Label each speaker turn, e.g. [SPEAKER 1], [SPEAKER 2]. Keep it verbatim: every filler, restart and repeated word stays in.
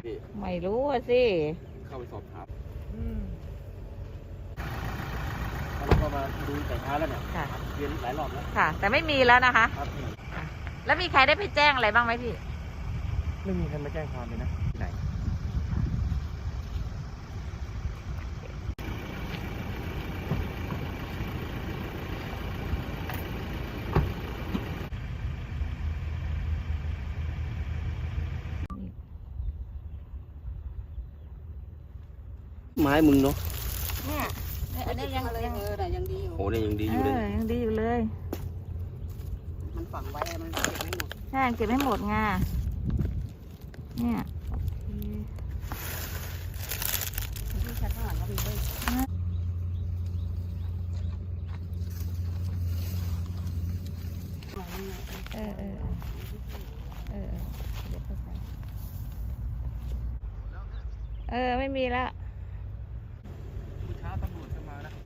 [SPEAKER 1] ไม่รู้อะสิ
[SPEAKER 2] เข้าไปสอบถามเราก็มาดูแต่เช้าแล้วเนี่ยเรียนหลายรอบแล้ว
[SPEAKER 1] ค่ะแต่ไม่มีแล้วนะคะ
[SPEAKER 2] ครับ
[SPEAKER 1] แล้วมีใครได้ไปแจ้งอะไรบ้างไหมพี่
[SPEAKER 2] ไม่มีใครมาแจ้งความเลยนะที่ไหนไม้มึงเนาะ
[SPEAKER 1] เนี่ยอันนี้ยังยัง
[SPEAKER 3] เออแต่ยังดีอยู่
[SPEAKER 2] โอ้เนี่ยยังดีอยู่เลย
[SPEAKER 1] ยังดีอยู่เลย
[SPEAKER 3] มันฝังไว้มันเก็บไม่หมด
[SPEAKER 1] ใช่เก็บไม่หมดไงเนี่ย
[SPEAKER 3] ที่ชั้นข้างหลังก็มีด้วย
[SPEAKER 1] เออเออเออเดี๋ยวเข้าใจเออไม่มีแล้ว